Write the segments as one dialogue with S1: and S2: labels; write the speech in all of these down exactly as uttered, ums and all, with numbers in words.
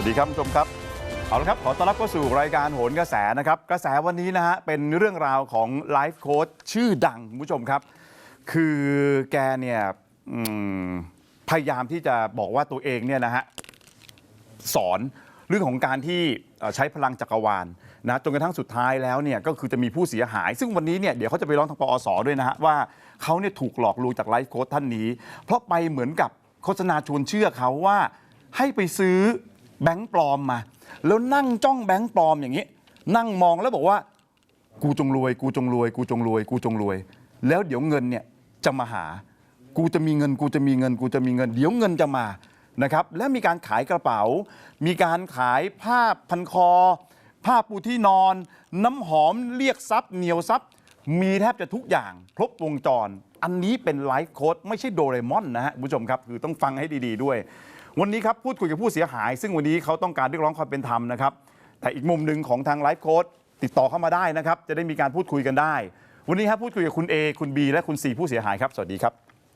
S1: ดีครับผู้ชมครับเอาละครับขอต้อนรับเข้าสู่รายการโหนกระแสนะครับกระแสวันนี้นะฮะเป็นเรื่องราวของไลฟ์โค้ชชื่อดังคุณผู้ชมครับคือแกเนี่ยพยายามที่จะบอกว่าตัวเองเนี่ยนะฮะสอนเรื่องของการที่ใช้พลังจักรวาลนะจนกระทั่งสุดท้ายแล้วเนี่ยก็คือจะมีผู้เสียหายซึ่งวันนี้เนี่ยเดี๋ยวเขาจะไปร้องทางปอสด้วยนะฮะว่าเขาเนี่ยถูกหลอกลวงจากไลฟ์โค้ชท่านนี้เพราะไปเหมือนกับโฆษณาชวนเชื่อเขาว่าให้ไปซื้อแบงค์ปลอมมาแล้วนั่งจ้องแบงค์ปลอมอย่างนี้นั่งมองแล้วบอกว่ากูจงรวยกูจงรวยกูจงรวยกูจงรวยแล้วเดี๋ยวเงินเนี่ยจะมาหากูจะมีเงินกูจะมีเงินกูจะมีเงินเดี๋ยวเงินจะมานะครับและมีการขายกระเป๋ามีการขายผ้าพันคอผ้าปูที่นอนน้ำหอมเรียกทรัพย์เหนียวทรัพย์มีแทบจะทุกอย่างครบวงจรอันนี้เป็นไลฟ์โค้ดไม่ใช่โดเรมอนนะฮะคุณผู้ชมครับคือต้องฟังให้ดีๆด้วยวันนี้ครับพูดคุยกับผู้เสียหายซึ่งวันนี้เขาต้องการเรียกร้องความเป็นธรรมนะครับแต่อีกมุมหนึ่งของทางไลฟ์โค้ดติดต่อเข้ามาได้นะครับจะได้มีการพูดคุยกันได้วันนี้ครับพูดคุยกับคุณ A คุณ B และคุณ C ผู้เสียหายครับสวัสดีครับ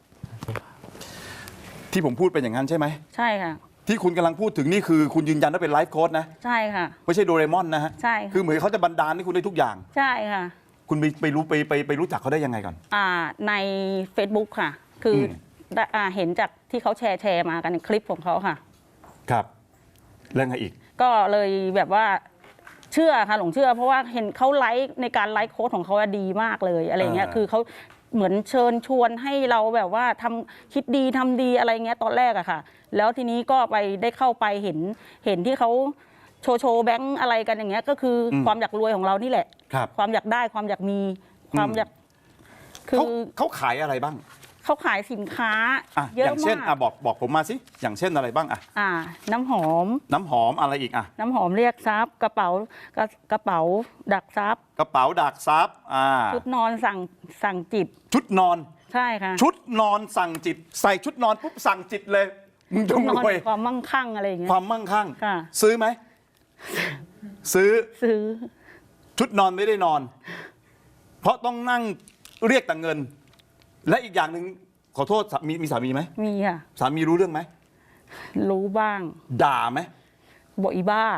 S1: ที่ผมพูดเป็นอย่างนั้นใช่ไหมใช่ค่ะที่คุณกำลังพูดถึงนี่คือคุณยืนยันว่าเป็นไลฟ์โค้ดนะใช่ค่ะไม่ใช่โดเรมอนนะฮะใช่คือเหมือนเขาจะบันดาลให้คุณได้ทุกอย่างใช่ค่ะคุณไปไปรู้ไปไปไปรู้จักเขาได้ยังไงก่อนอ่าใน Facebook ค่ะคือเห็นจากที่เขาแชร์แชร์มากันในคลิปของเขาค่ะครับเรื่องอะไรอีกก็เลยแบบว่าเชื่อค่ะหลงเชื่อเพราะว่าเห็นเขาไลฟ์ในการไลฟ์โค้ดของเขาดีมากเลยอะไรเงี้ยคือเขาเหมือนเชิญชวนให้เราแบบว่าทำคิดดีทำดีอะไรเงี้ยตอนแรกอะค่ะแล้วทีนี้ก็ไปได้เข้าไปเห็นเห็นที่เขาโชว์โชว์แบงค์อะไรกันอย่างเงี้ยก็คือความอยากรวยของเรานี่แหละความอยากได้ความอยากมีความอยากคือเขาขายอะไรบ้างเขาขายสินค้าเยอะมากอย่างเช่นอ่ะบอกบอกผมมาสิอย่างเช่นอะไรบ้างอ่ะอ่าน้ำหอมน้ำหอมอะไรอีกอ่ะน้ำหอมเรียกทรัพย์กระเป๋ากระเป๋าดักทรัพย์กระเป๋าดักทรัพย์อ่าชุดนอนสั่งสั่งจิตชุดนอนใช่ค่ะชุดนอนสั่งจิตใส่ชุดนอนปุ๊บสั่งจิตเลยมึงจงรวยความมั่งคั่งอะไรอย่างเงี้ยความมั่งคั่งค่ะซื้อไหมซื้อซื้อชุดนอนไม่ได้นอนเพราะต้องนั่งเรียกแต่เงินและอีกอย่างหนึ่งขอโทษมีมีสามีไหมมีค่ะสามีรู้เรื่องไหมรู้บ้างด่าไหมบอกอีบ้า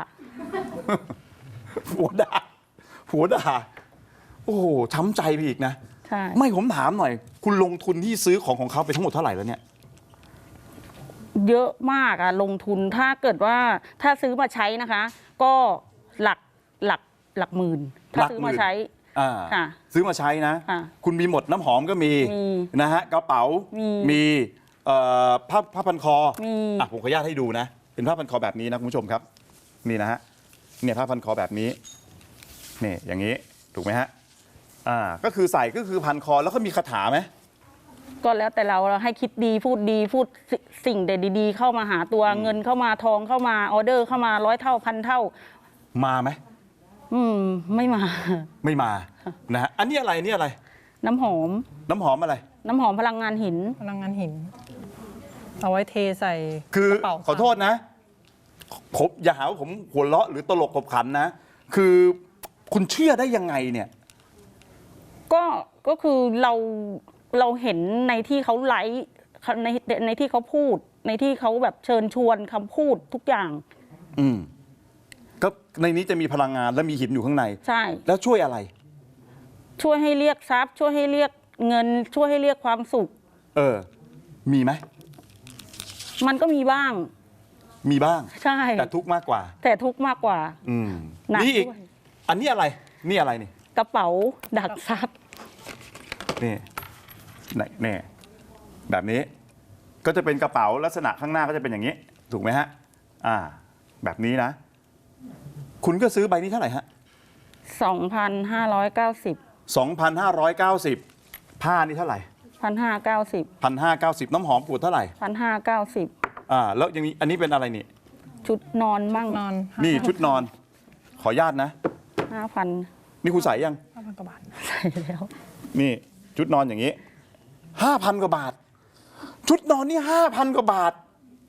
S1: หัวด่าหัวด่าโอ้โหช้ำใจไปอีกนะใช่ไม่ผมถามหน่อยคุณลงทุนที่ซื้อของของเขาไปทั้งหมดเท่าไหร่แล้วเนี่ยเยอะมากอะลงทุนถ้าเกิดว่าถ้าซื้อมาใช้นะคะก็หลักหลักหลักหมื่นถ้าซื้อมาใช้ซื้อมาใช้นะคุณมีหมดน้ำหอมก็มีนะฮะกระเป๋ามีผ้าผ้าพันคออ่ะผมขออนุญาตให้ดูนะเป็นผ้าพันคอแบบนี้นะคุณผู้ชมครับนี่นะฮะเนี่ยผ้าพันคอแบบนี้นี่อย่างนี้ถูกไหมฮะอ่าก็คือใส่ก็คือพันคอแล้วเขามีคาถาไหมก็แล้วแต่เราเราให้คิดดีพูดดีพูดสิ่งเด็ดดีๆเข้ามาหาตัวเงินเข้ามาทองเข้ามาออเดอร์เข้ามาร้อยเท่าพันเท่ามาไหมอืมไม่มาไม่มานะฮะอันนี้อะไรนี่อะไรน้ำหอมน้ำหอมอะไรน้ำหอมพลังงานหินพลังงานหินเอาไว้เทใส่คือกระเป๋าขอโทษนะผมอย่าหาว่าผมหัวเราะหรือตลกขบขันนะคือคุณเชื่อได้ยังไงเนี่ยก็ก็คือเราเราเห็นในที่เขาไลฟ์ในในที่เขาพูดในที่เขาแบบเชิญชวนคำพูดทุกอย่างอืมก็ในนี้จะมีพลังงานและมีหินอยู่ข้างในใช่แล้วช่วยอะไรช่วยให้เรียกทรัพย์ช่วยให้เรียกเงินช่วยให้เรียกความสุขเออมีไหมมันก็มีบ้างมีบ้างใช่แต่ทุกข์มากกว่าแต่ทุกข์มากกว่าอืมนี่อีกอันนี้อะไรนี่อะไรนี่กระเป๋าดักทรัพย์นี่นี่แบบนี้ก็จะเป็นกระเป๋าลักษณะข้างหน้าก็จะเป็นอย่างนี้ถูกไหมฮะอ่าแบบนี้นะคุณก็ซื้อใบนี้เท่าไหร่ฮะสองพันห้าร้อยเก้าสิบสองพันห้าร้อยเก้าสิบผ้านี่เท่าไหร่พันห้าเก้าสิบพันห้าเก้าสิบน้ำหอมขวดเท่าไหร่พันห้าเก้าสิบอ่าแล้วยังมีอันนี้เป็นอะไรนี่ชุดนอนมั่งนอนนี่ชุดนอนขออนุญาตนะห้าพันนี่คุณใส่ยังห้าพันกว่าบาทใส่แล้วนี่ชุดนอนอย่างนี้ห้าพันกว่าบาทชุดนอนนี่ห้าพันกว่าบาท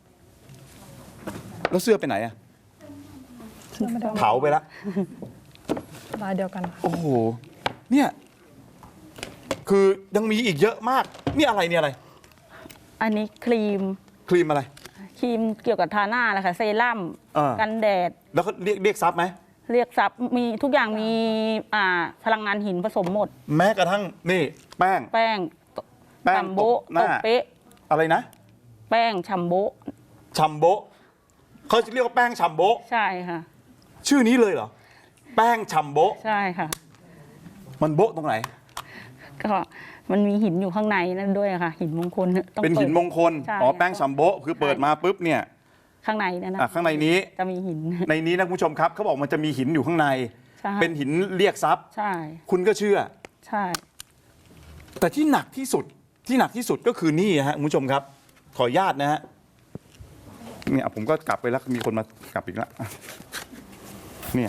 S1: แล้วเสื้อไปไหนอะเผาไปแล้วลายเดียวกันโอ้โหเนี่ยคือยังมีอีกเยอะมากนี่อะไรเนี่ยอะไรอันนี้ครีมครีมอะไร
S2: ครีมเกี่ยวกับทาหน้าแหละค่ะเซรั่ม
S1: เออ
S2: กันแดด
S1: แล้วเขาเรียกเรียกทรัพย์ไหม
S2: เรียกทรัพย์มีทุกอย่างมีอ่าพลังงานหินผสมหมด
S1: แม้กระทั่งนี่แป้ง
S2: แป้ง
S1: แป้ง
S2: ชัมโบะ
S1: ตบหน้า
S2: ตบเป๊ะ
S1: อะไรนะ
S2: แป้งชัมโบะ
S1: ชัมโบะเขาจะเรียกว่าแป้งชัมโบะ
S2: ใช่ค่ะ
S1: ชื่อนี้เลยเหรอแป้งชัมโบะ
S2: ใช่ค่ะ
S1: มันโบะตรงไหน
S2: ก็มันมีหินอยู่ข้างในนั่นด้วยค่ะ หินมงคลต้อง
S1: เป็นหินมงคล
S2: ใช่
S1: อ๋อแป้งชัมโบะคือเปิดมาปุ๊บเนี่ย
S2: ข้างในนั่นนะ
S1: อ่ะข้างในนี้
S2: จะมีหิน
S1: ในนี้นะคุณผู้ชมครับเขาบอกมันจะมีหินอยู่ข้างใน
S2: ใช่
S1: เป็นหินเรียกทรัพย์
S2: ใช่
S1: คุณก็เชื่อ
S2: ใช่
S1: แต่ที่หนักที่สุดที่หนักที่สุดก็คือนี่ฮะคุณผู้ชมครับ ขออนุญาตนะฮะเนี่ยผมก็กลับไปแล้วมีคนมากลับอีกแล้วอ่ะเนี่ย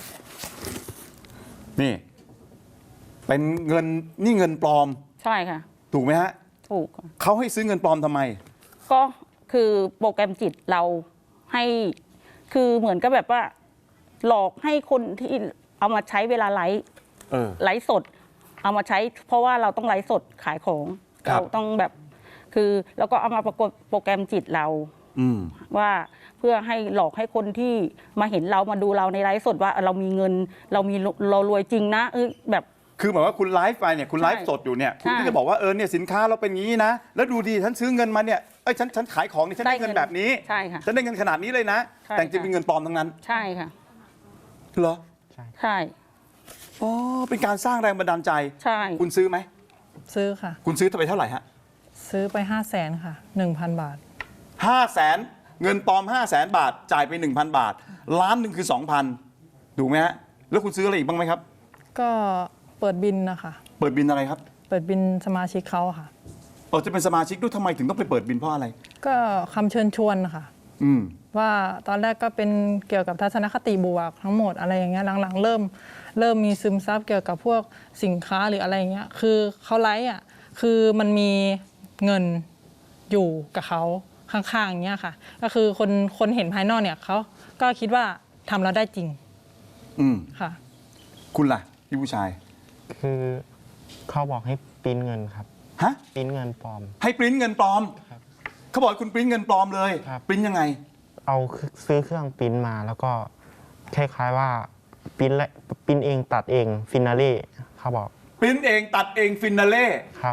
S1: นี่ เป็นเงินนี่เงินปลอม
S2: ใช่ค่ะ
S1: ถูกไหมฮะ
S2: ถูกค่ะ
S1: เขาให้ซื้อเงินปลอมทำไม
S2: ก็คือโปรแกรมจิตเราให้คือเหมือนกับแบบว่า หลอกให้คนที่เอามาใช้เวลาไลฟ์
S1: เออ
S2: ไลฟ์สด เอามาใช้ เพราะว่าเราต้องไลฟ์สดขายของ
S1: ครับ
S2: เราต้องแบบ คือแล้วก็เอามาประกบโปรแกรมจิตเรา
S1: อืม
S2: ว่าเพื่อให้หลอกให้คนที่มาเห็นเรามาดูเราในไลฟ์สดว่าเรามีเงิน เรามีเรารวยจริงนะเออแบบ
S1: คือหมายว่าคุณไลฟ์ไปเนี่ยคุณไลฟ์สดอยู่เนี่ยคุณก็จะบอกว่าเออเนี่ยสินค้าเราเป็นอย่างนี้นะแล้วดูดีฉันซื้อเงินมาเนี่ยเอ้ยฉันฉันขายของเนี่ยฉันได้เงินแบบนี้
S2: ใช่ค่ะ
S1: ฉันได้เงินขนาดนี้เลยนะ
S2: ใช่
S1: แต่จริง
S2: ค่ะ
S1: เป็นเงินปลอมทั้งนั้น
S2: ใช่ค่ะ
S1: เหรอ
S2: ใช่
S1: อ๋อเป็นการสร้างแรงบันดาลใจ
S2: ใช่
S1: คุณซื้อไหม
S3: ซื้อค่ะ
S1: คุณซื้อไปเท่าไหร่ฮะ
S3: ซื้อไปห้าแสนค่ะหนึ่งพันบาท
S1: ห้าแสนเงินปลอมห้าแสนบาทจ่ายไปหนึ่งพันบาท ล้านหนึ่งคือสองพันถูกไหมฮะแล้วคุณซื้ออะไรอีกบ้างไหมครับ
S3: ก็เปิดบินนะคะ
S1: เปิดบินอะไรครับ
S3: เปิดบินสมาชิกเขาค่ะ
S1: เออจะเป็นสมาชิกด้วยทำไมถึงต้องไปเปิดบินเพราะอะไร
S3: ก็คำเชิญชวนนะคะ
S1: อืม
S3: ว่าตอนแรกก็เป็นเกี่ยวกับทัศนคติบวกทั้งหมดอะไรอย่างเงี้ยหลังๆ เริ่มเริ่มมีซึมซับเกี่ยวกับพวกสินค้าหรืออะไรอย่างเงี้ยคือเขาไลฟ์อ่ะคือมันมีเงินอยู่กับเขาข้างๆอย่างเงี้ยค่ะ ก็คือคนคนเห็นภายนอกเนี่ยเขาก็คิดว่าทำแล้วได้จริง
S1: อืม
S3: ค่ะ
S1: คุณล่ะพี่ผู้ชาย
S4: คือเขาบอกให้ปริ้นเงินครับ
S1: ฮะ
S4: ปริ้นเงินปลอม
S1: ให้ปริ้นเงินปลอม
S4: ครับ
S1: เขาบอกให้คุณปริ้นเงินปลอมเลย
S4: ครับ
S1: ปริ้นยังไง
S4: เอาซื้อเครื่องปริ้นมาแล้วก็คล้ายๆว่าปริ้นและปริ้นเองตัดเองฟินาเล่เขาบอก
S1: ปริ้นเองตัดเองฟินาเล่
S4: ครับ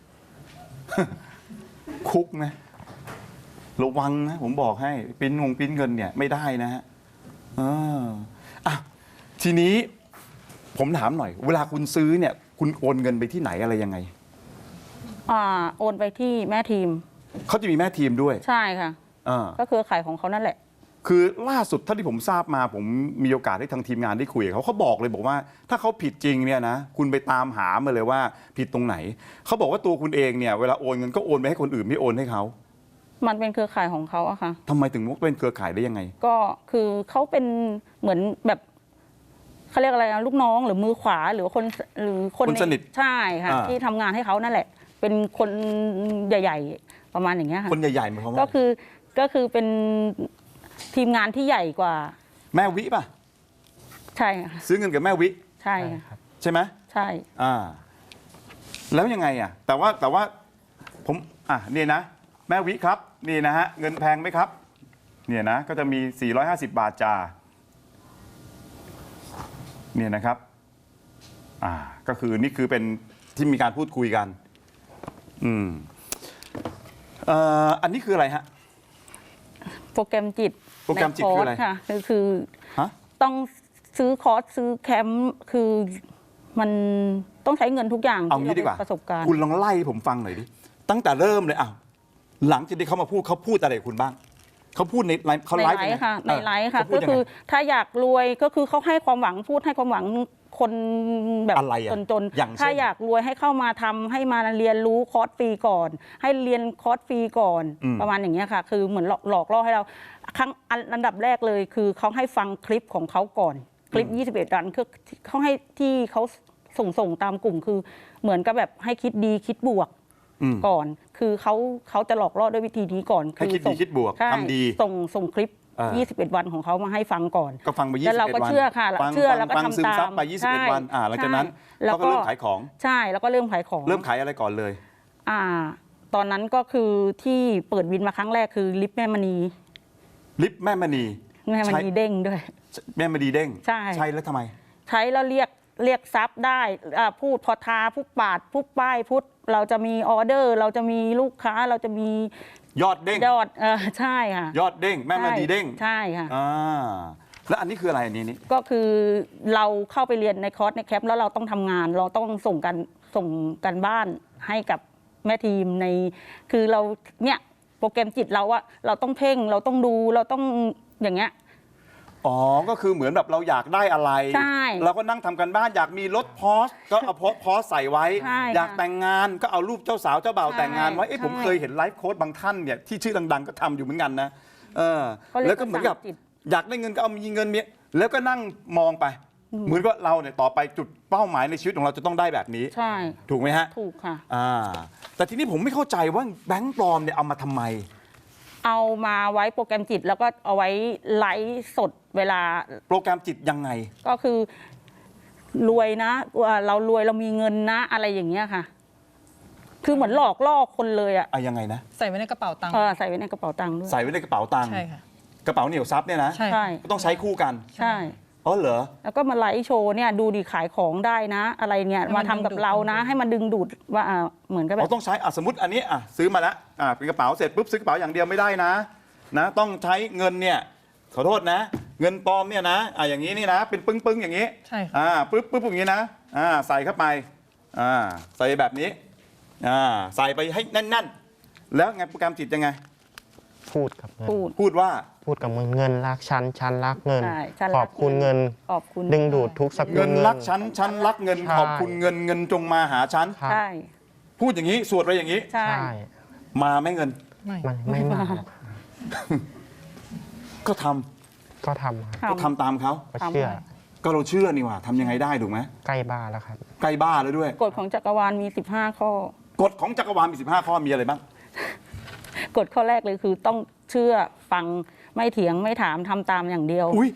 S1: คุกนะระวังนะผมบอกให้ปริ้นงงปริ้นเงินเนี่ยไม่ได้นะฮะเอออ่ะทีนี้ผมถามหน่อย เวลาคุณซื้อเนี่ย คุณโอนเงินไปที่ไหนอะไรยังไง
S2: อ่าโอนไปที่แม่ทีม
S1: เขาจะมีแม่ทีมด้วย
S2: ใช่ค่ะ
S1: อ่า
S2: ก็คือขายของเขานั่นแหละ
S1: คือล่าสุดเท่าที่ผมทราบมา ผมมีโอกาสได้ทางทีมงานได้คุยกับเขาเขาบอกเลยบอกว่า ถ้าเขาผิดจริงเนี่ยนะคุณไปตามหามาเลยว่าผิดตรงไหนเขาบอกว่าตัวคุณเองเนี่ยเวลาโอนเงินก็โอนไปให้คนอื่นไม่โอนให้เขา
S2: มันเป็นเครือข่ายของเขาอะค่ะ
S1: ทำไมถึงเป็นเครือข่ายได้ยังไง
S2: ก็คือเขาเป็นเหมือนแบบเขาเรียกอะไรนะลูกน้องหรือมือขวาหรือคนหรือคน
S1: คนสนิท
S2: ใช่ค่ะ
S1: อ่า
S2: ที่ทำงานให้เขานั่นแหละ เป็นคนใหญ่ ๆ ประมาณอย่างเงี้ยค่ะ
S1: คนใหญ่ๆหมายความว่า
S2: ก็คือก็คือเป็นทีมงานที่ใหญ่กว่า
S1: แม่วิป่ะ
S2: ใช่ค่ะ
S1: ซื้อเงินกับแม่วิ
S2: ใช่
S4: ใช่
S2: ค่ะ
S4: ครับ
S1: ใช่ไหม
S2: ใช่
S1: อ่า แล้วยังไงอ่ะ แต่ว่าแต่ว่าผมอ่ะนี่นะ แม่วิครับนี่นะฮะเงินแพงไหมครับ เนี่ยนะก็จะมีสี่ร้อยห้าสิบบาทจ่าเนี่ยนะครับ อ่า ก็คือนี่คือเป็นที่มีการพูดคุยกัน อืมเอ่ออันนี้คืออะไรฮะ
S2: โปรแกรมจิต
S1: โปรแกรมจิตคืออะไร
S2: ในร์สค่ะคือคือ
S1: ฮะ
S2: ต้องซื้อคอร์สซื้อแคมป์คือมันต้องใช้เงินทุกอย่าง
S1: เอา
S2: ที่
S1: งี้
S2: เรา
S1: ดีกว่า
S2: ประสบการณ์
S1: คุณลองไล่ให้ผมฟังหน่อยดิ ตั้งแต่เริ่มเลยอ่ะหลังจากที่เขามาพูดเขาพูดอะไรกับคุณบ้าง เขาพูดในไลฟ์เขา
S2: ใน
S1: ไล
S2: ไล
S1: ฟ์
S2: ฟ์ค่ะ
S1: ยังไง
S2: ในไลฟ์ค่ะ
S1: เออเขาพู
S2: ก็
S1: ดยัง
S2: คื
S1: ไง
S2: อถ้าอยากรวยก็คือเขาให้ความหวังพูดให้ความหวังคนแบบ
S1: อะไรอะ
S2: จน
S1: อย่างเช่น
S2: ๆถ้าอยากรวยให้เข้ามาทำให้มาเรียนรู้คอร์สฟรีก่อน ให้เรียนคอร์สฟรีก่อน
S1: อืม
S2: ประมาณอย่างเงี้ยค่ะ คือเหมือนหลอกหลอกล่อให้เราครั้งอันอันดับแรกเลยคือเขาให้ฟังคลิปของเขาก่อน คลิป ยี่สิบเอ็ด ดันคือเขาให้ที่เขาส่งส่งตามกลุ่มคือเหมือนกับแบบให้คิดดีคิดบวก
S1: อืม
S2: ก่อน คือเขาเขาจะหลอกล่อด้วยวิธีนี้ก่อน
S1: ให้คิดดี
S2: ส่ง
S1: คิดบวก
S2: ใช่
S1: ทำดี
S2: ส่งส่งคลิป
S1: อ่า
S2: ยี่สิบเอ็ด วันของเขามาให้ฟังก่อน
S1: ก็ฟังไปยี่
S2: แล้
S1: สิบ
S2: วเรา
S1: เอ็ด
S2: ก็
S1: วัน
S2: เชื่อค่ะ
S1: ฟัง
S2: เชื่อแล้วก็
S1: ฟัง
S2: ทำ
S1: ซึมซับ
S2: ตาม
S1: ไปยี่สิบเอ็ด
S2: ใช่
S1: วันอ่าหลังจากนั้น
S2: ใช่แล้ว
S1: เขาก็
S2: ก็
S1: เริ่มขายของ
S2: ใช่แล้วก็เริ่มขายของ
S1: เริ่มขายอะไรก่อนเลย
S2: อ่าตอนนั้นก็คือที่เปิดวินมาครั้งแรกคือลิฟต์แม่มณี
S1: ลิฟต์แม่มณี
S2: แม่มณีเด้งด้วย
S1: แม่มณีเด้ง
S2: ใช่
S1: ใช่แล้วทำไม
S2: ใช้แล้วเรียกเรียกทรัพย์ได้อ่าพูดพอทาพูดปาดพูดป้ายพูดเราจะมีออเดอร์ เราจะมีลูกค้าเราจะมี
S1: ยอดเด้ง
S2: ยอดเออใช่ค่ะ
S1: ยอดเด้งแม่มณีเด้ง
S2: ใช่ค่ะ
S1: อ่าแล้วอันนี้คืออะไรอันนี้นี่
S2: ก็คือเราเข้าไปเรียนในคอร์สในแคมป์แล้วเราต้องทำงาน เราต้องส่งกันส่งกันบ้านให้กับแม่ทีมในคือเราเนี่ยโปรแกรมจิตเราอะเราต้องเพ่งเราต้องดูเราต้องอย่างเงี้ย
S1: อ๋อก็คือเหมือนแบบเราอยากได้อะไร
S2: ใช่
S1: เราก็นั่งทำกันบ้านอยากมีรถพอสก็เอาพอสใส่ไว้
S2: ใช่
S1: อยาก
S2: ค่ะ
S1: แต่งงานก็เอารูปเจ้าสาวเจ้าบ่าว
S2: ใช่
S1: แต่งงานไว้เอ๊ะ
S2: ใช่
S1: ผมเคยเห็นไลฟ์โค้ดบางท่านเนี่ยที่ชื่อดังๆก็ทำอยู่เหมือนกันนะเออ
S2: เขาเรียก
S1: แล้วก็เหมือนกับ
S2: ภาษาจิต
S1: อยากได้เงินก็เอามีเงินเมียแล้วก็นั่งมองไป เหมือนว่าเราเนี่ยต่อไปจุดเป้าหมายในชีวิตของเราจะต้องได้แบบนี้
S2: ใช่
S1: ถูกไหมฮะ
S2: ถูกค่ะ
S1: อ่าแต่ทีนี้ผมไม่เข้าใจว่าแบงค์ปลอมเนี่ยเอามาทำไม
S2: เอามาไว้โปรแกรมจิตแล้วก็เอาไว้ไลฟ์สดเวลา
S1: โปรแกรมจิตยังไง
S2: ก็คือรวยนะว่าเรารวยเรามีเงินนะอะไรอย่างเงี้ยค่ะ คือเหมือนหลอกล่อคนเลยอะ
S1: อะยังไงนะ
S3: ใส่ไว้ในกระเป๋าตังค์
S2: เออใส่ไว้ในกระเป๋าตังค์ด้วย
S1: ใส่ไว้ในกระเป๋าตังค์
S3: ใช่ค่ะ
S1: กระเป๋าเหนียวซับเนี่ยนะ
S3: ใช่
S2: ใช่
S1: ก็ต้องใช้คู่กัน
S2: ใช่
S1: อ๋อเหรอ
S2: แล้วก็มาไลฟ์โชว์เนี่ยดูดีขายของได้นะ อะไรเนี่ย
S3: ให้มั
S2: มาน ทำกับ
S3: ดึงดูด
S2: เรานะ ให้มันดึงดูดว่าอ่าเหมือนกับแบ
S1: เรา
S2: บ
S1: ต้องใช้อ่ะสมมติอันนี้อ่ะซื้อมาแล้วอ่ะเป็นกระเป๋าเสร็จปุ๊บซื้อกระเป๋าอย่างเดียวไม่ได้นะนะต้องใช้เงินเนี่ยขอโทษนะ เงินปลอมเนี่ยนะอ่ะอย่างนี้นี่นะ เป็นปึ้งปึ้งๆอย่างนี้
S3: ใช่ค่ะ
S1: อ่าปึ๊บปึ๊บอย่างนี้นะอ่าใส่เข้าไปอ่าใส่แบบนี้อ่าใส่ไปให้แน่นๆ แล้วไงโปรแกรมจิตยังไง
S4: พูดกับเงิน
S2: พูด
S1: พูดว่า
S4: พูดกับมึงเงินรักฉันฉันรักเงิน
S2: ใช่ฉัน
S4: ข
S2: รั
S4: อก บคุณเงิน
S2: ขอบคุณ
S4: ดึงดูดทุกสกุล
S1: เงินรักฉันฉันรักเงิน
S4: ใช่
S1: ขอบคุณเงินเงินจงมาหาฉัน
S4: ครับ
S2: ใช่
S1: พูดอย่างนี้สวดไปอย่างนี้
S2: ใช่
S4: ใช่
S1: มาไหม่เงิน
S3: ไม่
S4: มันไม่มาก
S1: ก็ทำ
S4: ก็ทำครับ
S1: ก็ทำตามเขา
S4: ก็เชื่อ
S1: ก็เราเชื่อนี่หว่าทำยังไงได้ถูกไหม
S4: ใกล้บ้านแล้วครับ
S1: ใกล้บ้าแล้วด้วย
S2: กฎของจักรวาลมีสิบห้าข้อ
S1: กฎของจักรวาลมีสิบห้าข้อมีอะไรบ้าง
S2: กฎข้อแรกเลยคือต้องเชื่อฟังไม่เถียงไม่ถามทำตามอย่างเดียว
S1: อุ้ย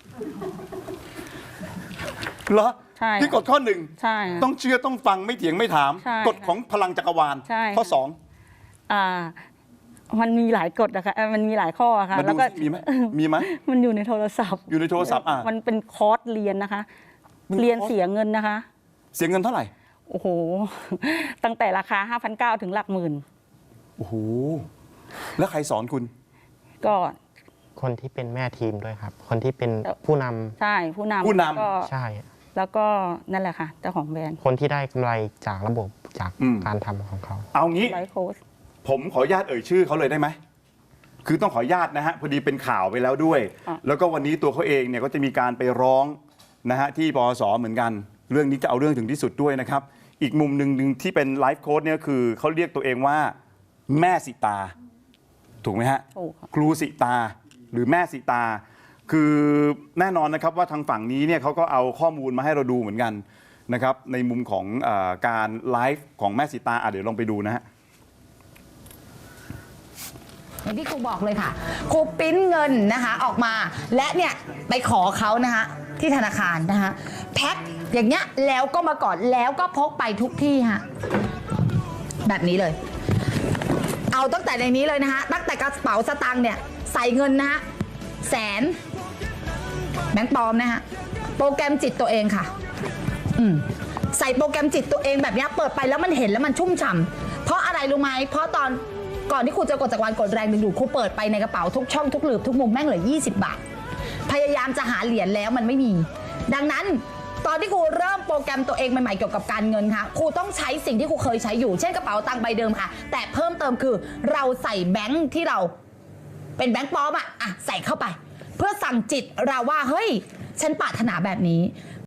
S1: เหรอ
S2: ใช่
S1: ที่กฎข้อหนึ่ง
S2: ใช่
S1: ต้องเชื่อต้องฟังไม่เถียงไม่ถาม
S2: ใช่
S1: กฎของพลังจักรวาล
S2: ใช่
S1: ข้อสอง
S2: อ่า มันมีหลายกฎนะคะเอ่อมันมีหลายข้ออะค่ะ
S1: มา
S2: แล้
S1: ดู
S2: วก็
S1: สิมีไหมมีไหม
S2: มันอยู่ในโทรศัพท์
S1: อยู่ในโทรศัพท์อ่ะ
S2: มันเป็นคอร์สเรียนนะคะ
S1: มันคอร์ส
S2: เรียนเสียเงินนะคะ
S1: เสียเงินเท่าไหร่
S2: โอ้โห ตั้งแต่ราคา ห้าพันเก้าร้อย ถึงหลักหมื่น
S1: โอ้โหแล้วใครสอนคุณ
S2: ก็
S4: คนที่เป็นแม่ทีมด้วยครับ คนที่เป็น
S2: แล้ว
S4: ผู้นำ
S2: ใช่ผู้นำ
S1: ผู้นำ
S2: แล้วก็
S4: ใช่
S2: แล้วก็นั่นแหละค่ะ เจ้าของแบรนด์
S4: คนที่ได้กำไรจากระบบจาก
S1: อืม
S4: การทำของเขา
S1: เอางี้
S2: ไลฟ์โค้ช
S1: ผมขออนุญาตเอ่ยชื่อเขาเลยได้ไหม คือต้องขออนุญาตนะฮะ พอดีเป็นข่าวไปแล้วด้วย
S2: อ่ะ
S1: แล้วก็วันนี้ตัวเขาเองเนี่ยก็จะมีการไปร้องนะฮะที่ปอสเหมือนกัน เรื่องนี้จะเอาเรื่องถึงที่สุดด้วยนะครับ อีกมุมหนึ่งหนึ่งที่เป็นไลฟ์โค้ดเนี่ยคือเขาเรียกตัวเองว่าแม่สิตา ถูกไหมฮะ
S2: ถูกค่ะ
S1: ครูสิตาหรือแม่สิตา คือแน่นอนนะครับว่าทางฝั่งนี้เนี่ยเขาก็เอาข้อมูลมาให้เราดูเหมือนกันนะครับในมุมของเออการไลฟ์ของแม่สิตาอ่ะเดี๋ยวลองไปดูนะฮะ
S5: อย่างที่ครูบอกเลยค่ะครูปริ้นเงินนะคะออกมาและเนี่ยไปขอเขานะคะที่ธนาคารนะคะแพ็คอย่างเงี้ยแล้วก็มากอดแล้วก็พกไปทุกที่ฮะแบบนี้เลย เอาตั้งแต่ในนี้เลยนะคะตั้งแต่กระเป๋าสตางค์เนี่ยใส่เงินนะคะแสนแบงค์ปลอมนะคะโปรแกรมจิตตัวเองค่ะอืมใส่โปรแกรมจิตตัวเองแบบเนี้ยเปิดไปแล้วมันเห็นแล้วมันชุ่มฉ่ำเพราะอะไรรู้ไหมเพราะตอนก่อนที่ครูจะกดจักรวาลกดแรงดึงดูดครูเปิดไปในกระเป๋าทุกช่องทุกหลืบทุกมุมแม่งเหลือยี่สิบบาท พยายามจะหาเหรียญแล้วมันไม่มี ดังนั้นตอนที่ครูเริ่มโปรแกรมตัวเองใหม่ๆเกี่ยวกับการเงินค่ะครูต้องใช้สิ่งที่ครูเคยใช้อยู่เช่นกระเป๋าตังค์ใบเดิมค่ะ แต่เพิ่มเติมคือเราใส่แบงค์ที่เราเป็นแบงค์ปลอมอะอ่ะใส่เข้าไป เพื่อสั่งจิตเราว่าเฮ้ยฉันปรารถนาแบบนี้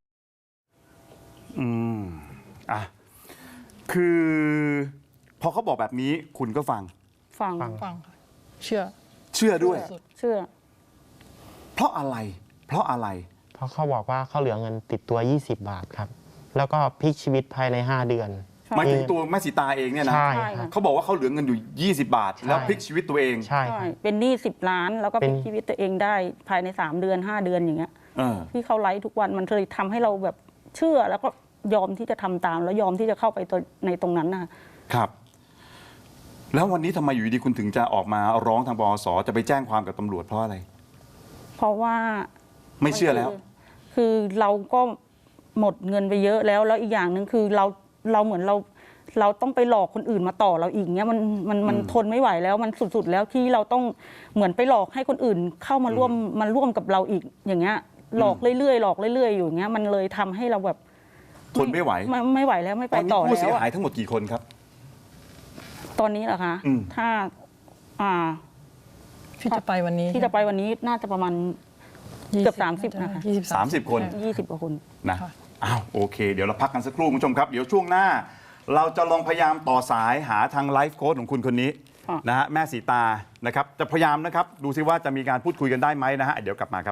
S1: อืมอ่ะคือพอเขาบอกแบบนี้คุณก็ฟัง
S2: ฟัง
S4: ฟัง
S3: ฟังค่ะเชื่อ
S1: เชื่อด้วย
S3: สุด
S2: เชื่อ
S1: เพราะอะไร เพราะอะไร
S4: เพราะเขาบอกว่าเขาเหลือเงินติดตัว ยี่สิบบาทครับ แล้วก็พลิกชีวิตภายใน ห้า เดือน
S2: ใช่
S1: หมายถึงตัวแม่สีตาเองเนี่ยนะ
S4: ใช่
S2: ใช่
S4: ครั
S2: ค่ะ
S4: บ
S1: เขาบอกว่าเขาเหลือเงินอยู่ ยี่สิบบาท
S4: ใช่
S1: แล้วพลิกชีวิตตัวเอง
S4: ใช่ค
S2: ใช่
S4: รับ
S2: เป็นหนี้สิบล้าน แล้วก็
S4: เป็
S2: พ
S4: น
S2: ลิกชีวิตตัวเองได้ภายในสามเดือนห้าเดือนอย่างเงี้ย
S1: เออ
S2: ที่เขาไลฟ์ทุกวันมันเลยทำให้เราแบบเชื่อแล้วก็ยอมที่จะทำตาม แล้วยอมที่จะเข้าไปตัวในตรงนั้นนะคะ
S1: ครับแล้ววันนี้ทำไมอยู่ดีคุณถึงจะออกมาร้องทางปอสจะไปแจ้งความกับตำรวจเพราะอะไร
S2: เพราะว่า
S1: ไม่เชื่อแล้ว
S2: คือเราก็หมดเงินไปเยอะแล้วแล้วอีกอย่างหนึ่งคือเราเราเหมือนเราเราต้องไปหลอกคนอื่นมาต่อเราอีกเนี้ยมันมันมันทนไม่ไหวแล้วมันสุดๆแล้วที่เราต้องเหมือนไปหลอกให้คนอื่นเข้ามาร่วมมาร่วมกับเราอีกอย่างเงี้ยหลอกเรื่อยๆหลอกเรื่อยๆอยู่อย่างเงี้ยมันเลยทำให้เราแบบ
S1: ทนไม่ไหว
S2: ไม่ไม่ไหวแล้วไม่
S1: ต
S2: ไป
S1: อนนี้
S2: ต่อ
S1: ผู้เสีย
S2: แล้ว
S1: หาย
S2: อะ
S1: ทั้งหมดกี่คนครับ
S2: ตอนนี้เหรอคะ
S1: อืม
S2: ถ้าอ่า
S3: ที่จะไปวันนี้
S2: ที่จะไปวันนี้น่าจะประมาณ เกือบสามสิบนะคะ
S3: ยี่สิบ
S1: สามสิบคน
S2: ยี่สิบกว่าคน
S1: นะ
S3: ค่ะ
S1: อ้าวโอเค เดี๋ยวเราพักกันสักครู่คุณผู้ชมครับ เดี๋ยวช่วงหน้า เราจะลองพยายามต่อสายหาทางไลฟ์โค้ชของคุณคนนี้
S2: ค่ะ
S1: นะฮะแม่สีตานะครับจะพยายามนะครับดูซิว่าจะมีการพูดคุยกันได้ไหมนะฮะเดี๋ยวกลับมาครับ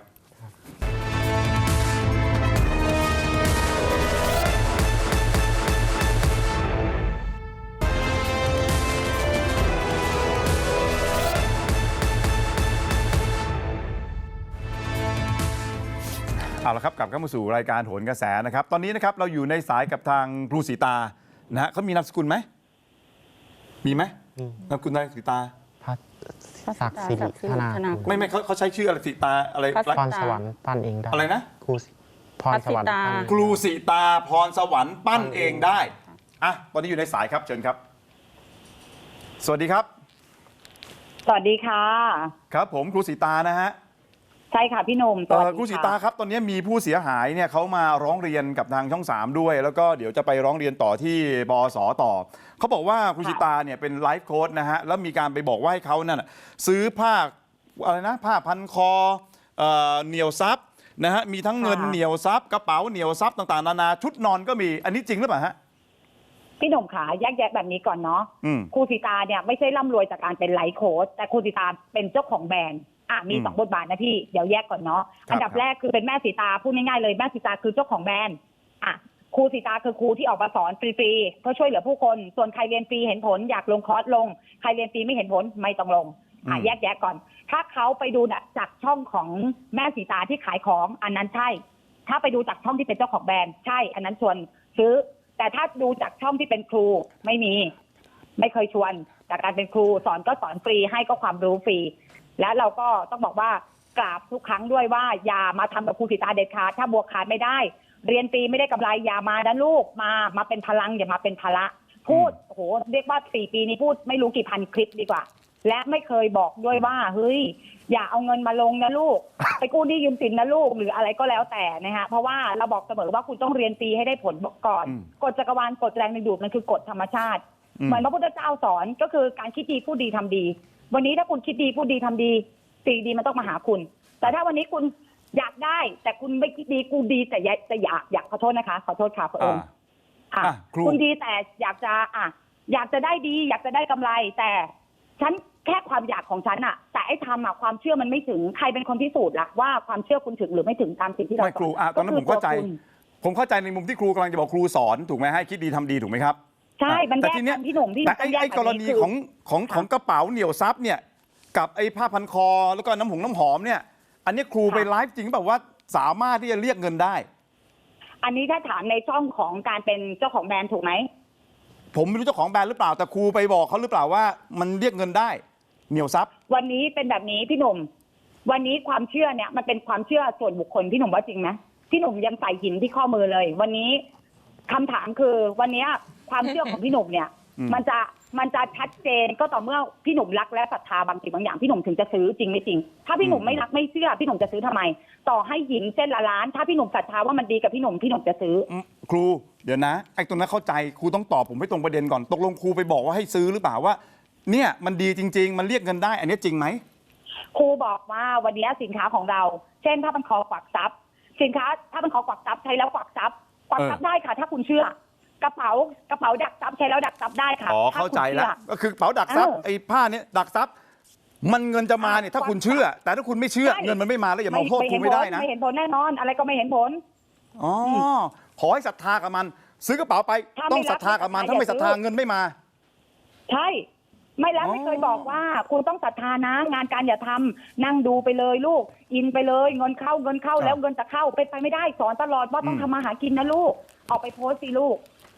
S1: เอาละครับกลับเข้ามาสู่รายการโหนกระแสนะครับ ตอนนี้นะครับเราอยู่ในสายกับทางครูสีตานะฮะเขามีนามสกุลไหมมีไหม
S4: มี
S1: นามสกุลนายสีตา
S4: พัดศักดิ์สิริธนา
S2: ธนา
S4: กุล
S1: ไม่ไม่เขาเขาใช้ชื่ออะไรสีตาอะไร
S2: พัส
S4: พรสวรรค์ปั้นเองได้
S1: อะไรนะ
S4: ครูสิพรสวรรค์ปั้นเอง
S1: ครูสีตาพรสวรรค์ปั้นเองได้อ่ะตอนนี้อยู่ในสายครับเชิญครับ สวัสดีครับ
S6: สวัสดีค่ะ
S1: ครับผมครูสีตานะฮะ
S6: ใช่ค่ะพี่หนุ่มส
S1: เอ่
S6: วัส
S1: อ
S6: ดี
S1: ครูสี
S6: ค่ะ
S1: ตาครับตอนนี้มีผู้เสียหายเนี่ยเขามาร้องเรียนกับทางช่องสามด้วย แล้วก็เดี๋ยวจะไปร้องเรียนต่อที่บสต่อเขาบอกว่าครูสีตาเนี่ยเป็นไลฟ์โค้ชนะฮะแล้วมีการไปบอกว่าให้เขานั่นนะซื้อผ้าอะไรนะผ้าพันคอเอ่อเหนียวซับนะฮะมีทั้งเงินเหนียวซับกระเป๋าเหนียวซับต่างๆนานาชุดนอนก็มีอันนี้จริงหรือเปล่าฮะ
S6: พี่หนุ่มขาแยกแยะแบบนี้ก่อนเนาะ
S1: อืม
S6: ครูสีตาเนี่ยไม่ใช่ร่ำรวยจากการเป็นไลฟ์โค้ชแต่ครูสีตาเป็นเจ้าของแบรนด์อ่ะมี
S1: อืม
S6: สองบทบาทนะพี่เดี๋ยวแยกก่อนเนาะ
S1: ครับ
S6: อันดับแรกคือเป็นแม่สีตาพูดง่ายๆเลยแม่สีตาคือเจ้าของแบรนด์อ่ะครูสีตาคือครูที่ออกมาสอนฟรีๆเพื่อช่วยเหลือผู้คนส่วนใครเรียนฟรีเห็นผลอยากลงคอร์สลงใครเรียนฟรีไม่เห็นผลไม่ต้องลงอ่ะแยกแยะก่อน ถ้าเขาไปดูจากช่องของแม่สีตาที่ขายของอันนั้นใช่ ถ้าไปดูจากช่องที่เป็นเจ้าของแบรนด์ใช่ อันนั้นชวนซื้อ แต่ถ้าดูจากช่องที่เป็นครูไม่มี ไม่เคยชวนจากการเป็นครูสอนก็สอนฟรีให้ก็ความรู้ฟรี และเราก็ต้องบอกว่ากราบทุกครั้งด้วยว่าอย่ามาทำกับครูสีตาเด็ดขาดถ้าบวกขาดไม่ได้ เรียนฟรีไม่ได้กำไรอย่ามานะลูกมามาเป็นพลังอย่ามาเป็นภาระพูดโอ้โหเรียกว่าสี่ปีนี้พูดไม่รู้กี่พันคลิปดีกว่า และไม่เคยบอกด้วยว่าเฮ้ยอย่าเอาเงินมาลงนะลูก ไปกู้หนี้ยืมสินนะลูกหรืออะไรก็แล้วแต่นะฮะเพราะว่าเราบอกเสมอว่าคุณต้องเรียนฟรีให้ได้ผลก่อน
S1: อืม
S6: กฎจักรวาลกฎแรงดึงดูดมันคือกฎธรรมชาติ
S1: อืม
S6: เหมือนพระพุทธเจ้าสอนก็คือการคิดดีพูดดีทำดี วันนี้ถ้าคุณคิดดีพูดดีทำดีสิ่งดีมันต้องมาหาคุณ แต่ถ้าวันนี้คุณอยากได้ แต่คุณไม่คิดดีกูดีแต่อยากแต่อยากอยากขอโทษนะคะขอโทษค่ะพระองค์
S1: อ่า
S6: ค่ะ
S1: อ่ะครู
S6: คุณดีแต่อยากจะอ่ะอยากจะได้ดี อยากจะได้กำไร แต่ฉันแค่ความอยากของฉันอะแต่ไอ้ทำอะความเชื่อมันไม่ถึงใครเป็นคนพิสูจน์ล่ะว่าความเชื่อคุณถึงหรือไม่ถึงตามสิ่งที่เรา
S1: ไม่ครูอ่ะตอนนั้นผมเข้าใจ ผมเข้าใจในมุมที่ครูกำลังจะบอกครูสอนถูกไหมให้คิดดีทำดีถูกไหมครับ
S6: ใช่มัน
S1: แต่
S6: แยก
S1: ทีเนี้
S6: กั
S1: ย
S6: นพี่หนุ่มพี่ห
S1: แต่
S6: นุ่ม
S1: ไอ้
S6: ต้องแยก
S1: ไอ้กรณี
S6: คื
S1: ของของ
S6: ค่ะ
S1: ของกระเป๋าเหนียวซับเนี่ยกับไอ้ผ้าพันคอแล้วก็น้ำหงน้ำหอมเนี่ย อันนี้ครู
S6: ค่ะ
S1: ไปไลฟ์จริงแบบว่าสามารถที่จะเรียกเงินได้
S6: อันนี้ถ้าถามในช่องของการเป็นเจ้าของแบรนด์ถูกไหม
S1: ผมไม่รู้เจ้าของแบรนด์หรือเปล่าแต่ครูไปบอกเขาหรือเปล่าว่ามันเรียกเงินได้เหนียวซับ
S6: วันนี้เป็นแบบนี้พี่หนุ่ม วันนี้ความเชื่อเนี่ยมันเป็นความเชื่อส่วนบุคคลพี่หนุ่มว่าจริงไหมพี่หนุ่มยังใส่หินที่ข้อมือเลย วันนี้คำถามคือวันนี้ความเชื่อของพี่หนุ่มเนี่ย
S1: อืม
S6: มันจะมันจะชัดเจนก็ต่อเมื่อพี่หนุ่มรักและศรัทธาบางสิ่งบางอย่างพี่หนุ่มถึงจะซื้อจริงไม่จริง ถ้าพี่หนุ่มไม่รักไม่เชื่อพี่หนุ่มจะซื้อทำไม ต่อให้หินเส้นละล้าน ถ้าพี่หนุ่มศรัทธาว่ามันดีกับพี่หนุ่มพี่หนุ่มจะซื้อ
S1: อืมครูเดี๋ยวนะไอ้ตรงนั้นเข้าใจครูต้องตอบผมให้ตรงประเด็นก่อนตกลงครูไปบอกว่าให้ซื้อหรือเปล่าว่า เนี่ยมันดีจริง ๆ มันเรียกเงินได้ อันนี้จริงไหม
S6: ครูบอกว่าวันนี้สินค้าของเรา เช่นถ้ามันคอกวักทรัพย์ สินค้าถ้ามันคอกวักทรัพย์ใช้แล้วกวักทรัพย์กวักทรัพย์ได้ค่ะ ถ้าคุณเชื่อกระเป๋ากระเป๋าดักทรัพย์ใช้แล้วดักทรัพย์ได้ค่ะ
S1: อ๋อ
S6: ถ้
S1: เข้าใจ
S6: คุณ
S1: แล้ว
S6: ชื่อ
S1: ก็คือกระเป๋าดักทรัพย์
S6: เออ
S1: ไอ้ผ้าเนี้ยดักทรัพย์มันเงินจะมาเนี่ยถ้าคุณเชื่อ แต่ถ้าคุณไม่เชื่อ
S6: ใช่
S1: เงินมันไม่มาแล้วอย่ามาโทษครู
S6: เห็น
S1: ไม่
S6: ผ
S1: ได้
S6: ล
S1: นะ
S6: ไม่เห็นผลแน่นอน อะไรก็ไม่เห็นผล
S1: อ๋อขอให้ศรัทธากับมัน ซื้อกระเป๋าไป
S6: ถ้าไม่
S1: ต้องศรัทธากับมัน
S6: รัก
S1: ถ้าไม่ศรัทธา
S6: อย่าซื้อ
S1: เงินไม่มา
S6: ใช่ ไม่แล้ว
S1: อ๋อ
S6: ไม่เคยบอกว่า คุณต้องศรัทธานะ งานการอย่าทำนั่งดูไปเลยลูก อินไปเลยเงินเข้าเงินเข้าแล้วเงินจะเข้าเป็นไปไม่ได้สอนตลอดว่าต้องทำมาหากินนะลูกออกไปโพสต์สิลูก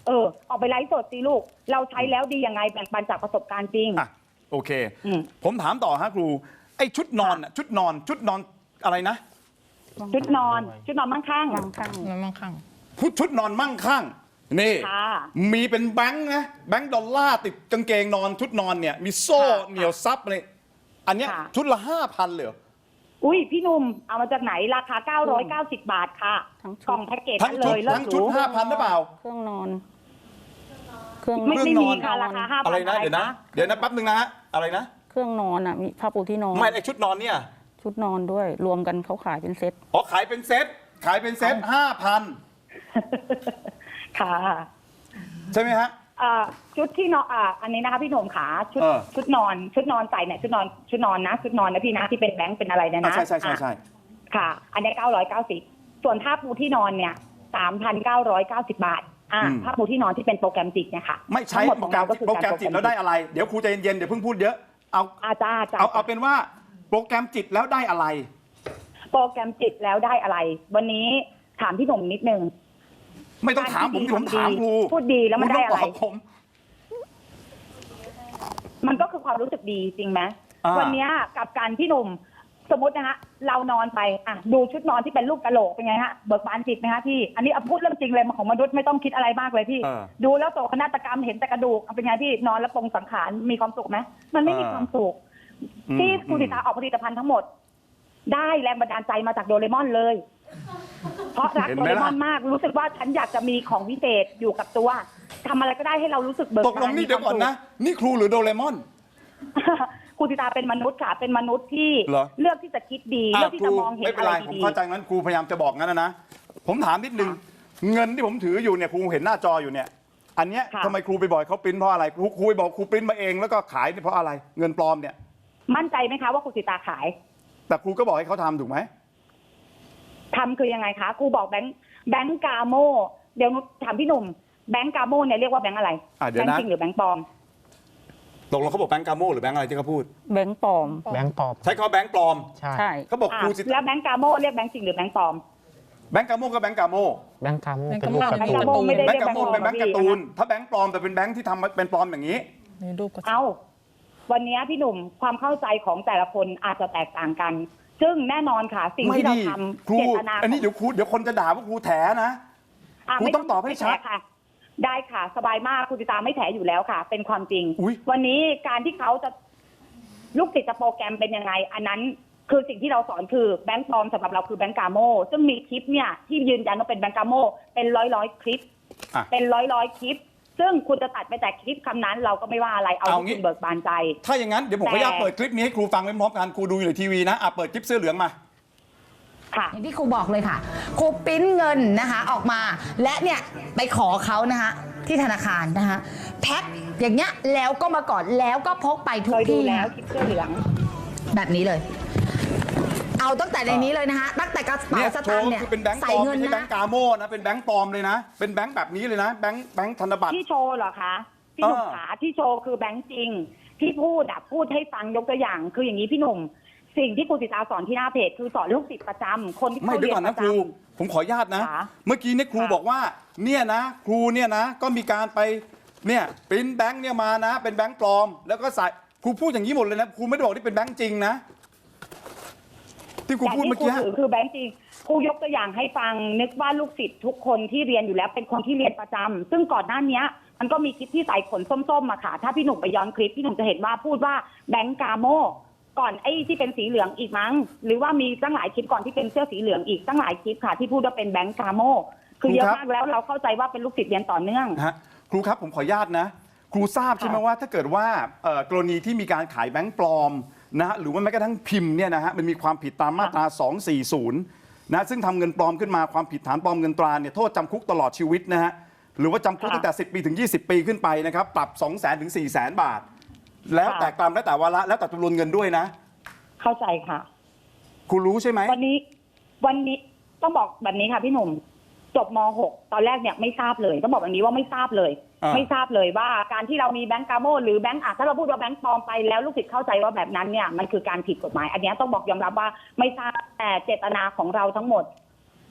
S6: เออออกไปไลฟ์สดสิลูกเราใช้แล้วดียังไงแบ่งปันจากประสบการณ์จริง
S1: อ่ะโอเค
S6: อืม
S1: ผมถามต่อฮะครูไอ้ชุดนอนน่ะชุดนอนชุดนอนอะไรนะ
S6: ชุดนอนชุดนอนมั่งคั่ง
S2: บางครั้ง
S3: มันมั่งคั่ง
S1: ชุดชุดนอนมั่งคั่งนี่
S6: ค่ะ
S1: มีเป็นแบงค์นะแบงค์ดอลลาร์ติดกางเกงนอนชุดนอนเนี่ยมีโซ่
S6: ค่ะ
S1: เหนียวซับเลยอันเนี้ย
S6: ค่ะ
S1: ชุดละห้าพันเลยเหรอ
S6: อุ้ยพี่หนุ่มเอามาจากไหนราคาเก้าร้อยเก้าสิบบาทค่ะ
S2: ทั้งชุด
S6: กล่องแพ็กเกจ
S1: ทั้ง
S6: นั้นเล
S1: ชุด
S6: ยเลิ
S1: ทั้
S6: ศ
S1: ง
S6: ห
S1: ชุ
S6: รู
S1: ดห้าพันหรือเปล่า
S2: เครื่องนอน เครื่อง
S6: ไม่
S1: เครื่
S6: ไม่
S1: องน
S6: มี
S1: อน
S6: ค่ะราคาห้าพัน
S1: อะไรนะเดี๋ยวนะเดี๋ยวนะแป๊บนึงนะฮะอะไรนะ
S2: เครื่องนอนอ่ะมีผ้าปูที่นอน
S1: ไม่ไอ้ชุดนอนเนี่ย
S2: ชุดนอนด้วย รวมกันเขาขายเป็นเซ็ต
S1: อ๋อขายเป็นเซ็ตขายเป็นเซ็ตห้าพัน
S6: ค่ะ
S1: ใช่ไหมฮะ
S6: อ่าชุดที่นอนอ่าอันนี้นะคะพี่หนุ่มขาชุด
S1: เออ
S6: ชุดนอนชุดนอนใส่เนี่ยชุดนอนชุดนอนนะชุดนอนนะพี่นะที่เป็นแบงค์เป็นอะไรเนี่ย
S1: อ่ะ
S6: นะ
S1: ใช่ใช่ใช่ใช่
S6: อ่ะค่ะ อันนี้เก้าร้อยเก้าสิบส่วนผ้าปูที่นอนเนี่ยสามพันเก้าร้อยเก้าสิบบาทอ่าผ้าปูที่นอนที่เป็นโปรแกรมจิกเนี่ยค่ะ
S1: ไม่ใช้
S6: ทั้งหมด
S1: โป
S6: ข
S1: ร
S6: อง
S1: แกรม
S6: เราก็คือ
S1: โปรแกรมจิตแล้วได้อะไรเดี๋ยวครูใจเย็นๆเดี๋ยวเพิ่งพูดเยอะเอา
S6: อาจารย์
S1: เอาเอาเป็นว่าโปรแกรมจิตแล้วได้อะไร
S6: โปรแกรมจิตแล้วได้อะไร วันนี้ถามพี่หนุ่มนิดนึง
S1: ไม่ต้องถามผมที่ผมถามครู
S6: พูดดีแล้วมันได้อะไร
S1: คต้งตบผม
S6: มันก็คือความรู้สึกดีจริงไหม
S1: อ่า
S6: วันเนี้ยกับการพี่หนุ่มสมมตินะฮะเรานอนไปอ่ะดูชุดนอนที่เป็นรูปกะโหลกเป็นไงฮะเบิกบานจิตไหมฮะพี่อันนี้เอาพูดเรื่องจริงเลยของมนุษย์ไม่ต้องคิดอะไรมากเลยพี่
S1: เออ
S6: ดูแล้วโศกนาฏกรรมเห็นแต่กระดูกเอาเป็นไงพี่นอนแล้วปรงสังขารมีความสุขไหมมันไม่มี
S1: เออ
S6: ความสุข
S1: อืม
S6: ที่คุณสิตาออกผลิตภัณฑ์ทั้งหมด ได้แรงบันดาลใจมาจากโดเรมอนเลย เพราะรัก
S1: เห็น
S6: โด
S1: ไหม
S6: เร
S1: ล่ะ
S6: มอนมากรู้สึกว่าฉันอยากจะมีของวิเศษอยู่กับตัวทำอะไรก็ได้ให้เรารู้สึกเบิก
S1: ตกลง
S6: บาน
S1: นี่เดี๋ยวก่อน
S6: มีความ
S1: นะ
S6: สุข
S1: นี่ครูหรือโดเรมอน
S6: ครูสิตาเป็นมนุษย์ค่ะ เป็นมนุษย์ที่
S1: เหรอ
S6: เลือกที่จะคิดดี
S1: อ่ะ
S6: เลือกที่
S1: ครู
S6: จะมองเห็น
S1: ไม่เป็
S6: อะ
S1: น
S6: ไร
S1: ไรผม
S6: ดี
S1: เข้าใจงั้นครูพยายามจะบอกงั้นนะนะผมถามนิดนึงเงินที่ผมถืออยู่เนี่ยครูเห็นหน้าจออยู่เนี่ย อันเนี้ยทำไมครูไปบอกเขาปริ้นเพราะอะไรครูครูไปบอกครูปริ้นมาเองแล้วก็ขายเนี่ยเพราะอะไรเงินปลอมเนี่ย
S6: ๆมั่นใจไหมคะว่าครูสิตาขาย
S1: แต่ครูก็บอกให้เขาทำถูกไหม
S6: ทำคือยังไงคะครูบอกแบงค์แบงค์กาโมเดี๋ยวหนูถามพี่หนุ่มแบงค์กาโมเนี่ยเรียกว่าแบงค์อะไร
S1: อ่ะเดี๋
S6: แบ
S1: ยว
S6: ง
S1: นะ
S6: ค์จริงหรือแบงค์ปลอม
S1: ตกลงเขาบอกแบงก์กาโมหรือแบงก์อะไรที่เขาพูด
S2: แบงค์ปลอม
S4: แบงค์ปลอม
S1: ใช้คำว่าแบงก์ปลอม
S4: ใช่
S2: ใช่
S1: เขาบอก
S6: อ่ะ
S1: ครูสิ
S6: แล้วแบงค์กาโมเรียกแบงค์จริงหรือแบงค์ปลอม
S1: แบงก์กาโมก็แบงก์กาโม
S4: แบงค์กาโม
S3: แบงค์
S4: เป็นรูป
S3: กา
S4: การ์
S3: โม่
S4: ตูน
S6: แบงค์กาโม่ไม่ได้
S1: แบงก์กาโมเป็นแบงก์การ์ตูนถ้าแบงก์ปลอมแต่เป็นแบงก์ที่ทำเป็นปลอมอย่างนี้
S3: ในรูปก็
S6: เอาวันนี้พี่หนุ่มความเข้าใจของแต่ละคนอาจจะแตกต่างกัน ซึ่งแน่นอนค่ะ สิ่ง
S1: ไม่
S6: ที่เรา
S1: ดี
S6: ทำ
S1: ครู
S6: เจตนา
S1: อันนี้เดี๋ยวครูเดี๋ยวคนจะด่าว่าครูแถนะ
S6: ะ
S1: ครู
S6: ไม่
S1: ต้องตอบให้ชัด
S6: ไม่แถค่ะ ได้ค่ะ สบายมากครูติตาไม่แถอยู่แล้วค่ะ เป็นความจริง
S1: อุ๊ย
S6: วันนี้การที่เขาจะลูกศิษย์จะโปรแกรมเป็นยังไง อันนั้นคือสิ่งที่เราสอนคือแบงค์ปลอมสำหรับเราคือแบงค์กาโมซึ่งมีคลิปเนี่ยที่ยืนยันว่าเป็นแบงค์กาโมเป็นร้อยร้อยๆคลิป
S1: อ่ะ
S6: เป็นร้อยร้อยๆคลิป ซึ่งคุณจะตัดไปแต่คลิปคำนั้น เราก็ไม่ว่าอะไรเอา
S1: เอา
S6: ที่
S1: งี้
S6: คุณเบิกบานใจ
S1: ถ้าอย่างนั้นเดี๋ยวผมขออนุญาตเปิดคลิปนี้ให้ครูฟังไปพร้อมกันครูดูอยู่ในทีวีนะอ่ะเปิดคลิปเสื้อเหลืองมา
S6: ค่ะ
S5: อย่างที่ครูบอกเลยค่ะครูปริ้นเงินนะคะออกมา และเนี่ยไปขอเขานะคะที่ธนาคารนะคะแพ็คอย่างเงี้ยแล้วก็มาก่อนแล้วก็พกไปทุ
S6: เค
S5: ก
S6: ยดู
S5: ที่
S6: แล้ว
S5: นะ
S6: คลิปเสื้อเหลือง
S5: แบบนี้เลย เอาตั้งแต่ในนี้เลยนะคะตั้งแต่กระเป๋า
S1: เนี่ย
S5: ส
S1: โช
S5: ตาง
S1: ว์
S5: ค์เนี่ย
S1: คือเป็นแบงค์ป
S5: ใส่
S1: ลอม
S5: เงิน
S1: ไม่ใช่แบ
S5: นะ
S1: งค์กาโมนะเป็นแบงค์ปลอมเลยนะ เป็นแบงค์แบบนี้เลยนะแบงค์แบงค์ธนบัตร
S6: ที่โชว์เหรอคะพี่หนุ่ม
S1: เออ
S6: ขาที่โชว์คือแบงค์จริง ที่พูดอะพูดให้ฟังยกตัวอย่าง คืออย่างนี้พี่หนุ่ม สิ่งที่ครูศิตาสอนที่หน้าเพจคือสอนลูกศิษย์ประจำคนที่
S1: ไม่
S6: เขา
S1: เดี๋ย
S6: เรี
S1: วย ก่อน
S6: นป
S1: นะ
S6: ระ
S1: ครู
S6: จำ
S1: ผมขออนุญาตนะ
S6: ค่ะ
S1: เมื่อกี้เนี่ยครู
S6: ค่ะ
S1: บอกว่าเนี่ยนะครูเนี่ยนะก็มีการไปเนี่ยปริ้นแบงค์เนี่ยมานะ เป็นแบงค์ปลอม แล้วก็ใส่ครูพูดอย่างนี้หมดเลยนะครูไม่ได้บอกที่เป็นแบงค์จริงนะที่ครู
S6: แต่
S1: พูด
S6: ที่
S1: เมื่อ
S6: ครู
S1: กี้
S6: ถือคือแบงค์จริงครูยกตัวอย่างให้ฟังนึกว่าลูกศิษย์ทุกคนที่เรียนอยู่แล้วเป็นคนที่เรียนประจำซึ่งก่อนหน้านี้มันก็มีคลิปที่ใส่ขนส้มๆมาค่ะ ถ้าพี่หนุ่มไปย้อนคลิปพี่หนุ่มจะเห็นว่าพูดว่าแบงค์กาโมก่อนไอ้ที่เป็นสีเหลืองอีกมั้งหรือว่ามีตั้งหลายคลิปก่อนที่เป็นเสื้อสีเหลืองอีกตั้งหลายคลิปค่ะที่พูดว่าเป็นแบงค์กาโมคือเยอะมากแล้วเราเข้าใจว่าเป็นลูกศิษย์เรียนต่อเนื่อง
S1: นะฮะครูครับผมขออนุญาตนะ ครูทราบใช่ไหมว่าถ้าเกิดว่าเอ่อกรณีที่มีการขายแบงค์ปลอมนะฮะหรือว่าแม้กระทั่งพิมพ์เนี่ยนะฮะมันมีความผิดตามมาตรา สองสี่ศูนย์ นะซึ่งทำเงินปลอมขึ้นมาความผิดฐานปลอมเงินตราเนี่ยโทษจำคุกตลอดชีวิตนะฮะหรือว่าจำคุกตั้งแต่สิบปีถึงยี่สิบปีขึ้นไปนะครับปรับ สองแสนถึงสี่แสนบาท แล้วแต่กรรมแล้วแต่วาระแล้วแต่จำนวนเงินด้วยนะ
S6: เข้าใจค่ะ
S1: ครูรู้ใช่ไหม
S6: วันนี้วันนี้ต้องบอกแบบนี้ค่ะพี่หนุ่มจบม หก ตอนแรกเนี่ยไม่ทราบเลยต้องบอกแบบนี้ว่าไม่ทราบเลย
S1: อ่า
S6: ไม่ทราบเลยว่าการที่เรามีแบงก์กาโมหรือแบงก์อ่ะถ้าเราพูดว่าแบงก์ปลอมไปแล้วลูกศิษย์เข้าใจว่าแบบนั้นเนี่ยมันคือการผิดกฎหมาย อันเนี้ยต้องบอกยอมรับว่าไม่ทราบแต่เจตนาของเราทั้งหมด